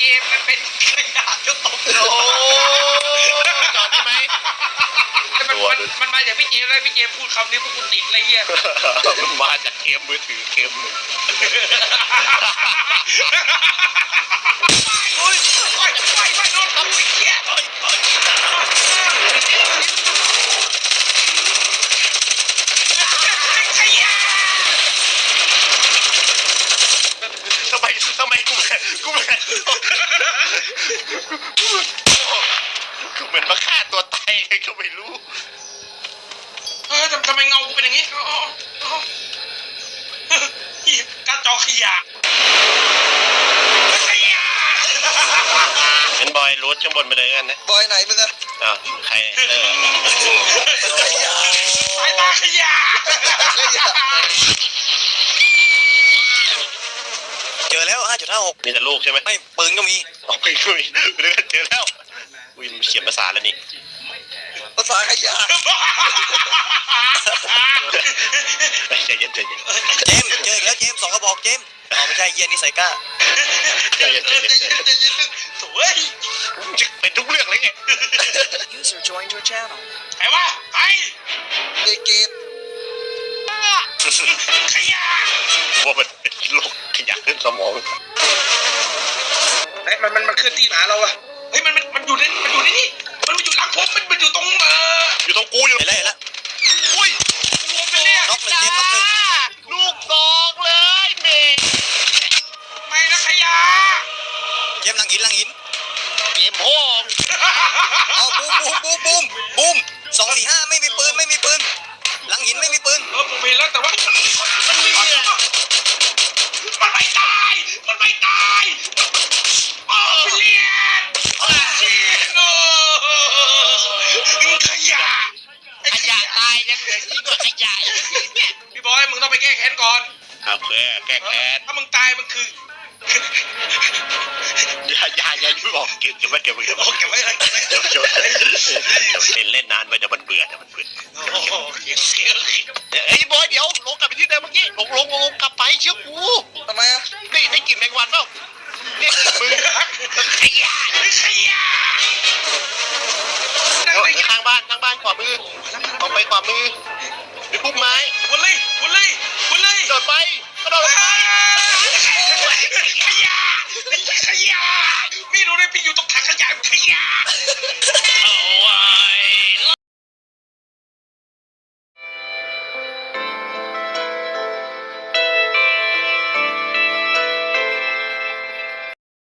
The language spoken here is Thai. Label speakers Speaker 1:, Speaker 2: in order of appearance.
Speaker 1: มมันเป็นขยะจะตกโล
Speaker 2: จอดได้ไหม
Speaker 1: มันมาจากพี่เจมเลยพี่เจมพูดคำนี้พวกกูติดอะไรเงี้ย
Speaker 2: มันมาจากเกมมือถือเกมหนึ่ง
Speaker 1: โอ้ยไม่โดนทำไอ้เหี้ยขยะ
Speaker 2: ทำไมกูเหมือนมาฆ่าตัวตายไงก็ไม่รู้
Speaker 1: ทำไมเงากูเป็นอย่างนี้การจอขยะขยะ
Speaker 2: เป็นบอยรูทข้างบนไปเลยกันนะ
Speaker 3: บอยไหนมึงอะ
Speaker 2: อ้าวใคร
Speaker 1: สายตาขยะ
Speaker 3: เจอแล้ว 5.56
Speaker 2: มีแต่ลูกใช่ไหม
Speaker 3: ไม่ปืนก็มี
Speaker 2: ออกไปคุยเรื่องเจอแล้วอุ้ยมันเขียนภาษาแล้วนี่
Speaker 3: ภาษาขยะ
Speaker 2: ใจเย็น
Speaker 3: เจมส์เจออีกแล้วเจมส์2 กระบอกเจมส์อ๋อไม่ใช่เฮียนี่ใส่ก้า
Speaker 2: ใจเย็น
Speaker 1: สวย
Speaker 2: จะเป็นทุกเรื่องเลยไง
Speaker 4: User joined your channel.
Speaker 1: ไอ้วะไอ้
Speaker 3: เด็กเกม
Speaker 1: ขยะ
Speaker 2: ว่ามันเป็นโรคขยะขึ้นสมอง
Speaker 1: เฮ้ยมันเคลื่อนที่หาเราอะเฮ้ยมันอยู่ในนี่มันอยู่หลังผมมันอยู่ตรง
Speaker 2: อยู่ตรงกูอยู่
Speaker 3: เห็นแล้ว
Speaker 2: อุ้ย
Speaker 1: รวมเป็นเนี่ย
Speaker 3: น็อกหนึ่งเจมส์น็อกหนึ่ง
Speaker 2: ลูกสองเลยเมย์
Speaker 1: ไม่นะขยะ
Speaker 3: เจมส์หลังหิน
Speaker 2: เกมโห้อง
Speaker 3: เอาบูม245ไม่มีปืนหลังหินไม่มีปืน
Speaker 1: ผมเห็นแล้วแต่ว่ามันไม่ตายโอ้เลียนจีโน่ขยะ
Speaker 2: ขยะตายยังเหลือยิ่งกว่าขยะอีกเนี่ย
Speaker 1: พี่บอยมึงต้องไปแก้แค้นก่อน
Speaker 2: เอาแก้แค้น
Speaker 1: ถ้ามึงตายมันคือ
Speaker 2: อย่าบอกเก็บไว้
Speaker 1: เก็บไว้เลย
Speaker 2: เดี๋ยวเล่นนานไปเดี๋ยวมันเบื่อเฮ้ยบอยเดี๋ยวลงกลับไปที่เดิมเมื่อกี้ลงกลับไปเชื่อกู
Speaker 3: ทำไมอะ
Speaker 2: นี่ได้กลิ่นแมงวันเปล่าเนี่ยมึงขยะข้างบ้านขวามือออกไปขวามือไปพุ่มไม้
Speaker 1: วนเลย
Speaker 2: โดดไปกระโดดไป
Speaker 1: ขยะไม่รู้เลยพี่อยู่ตรงถังขยะขยะ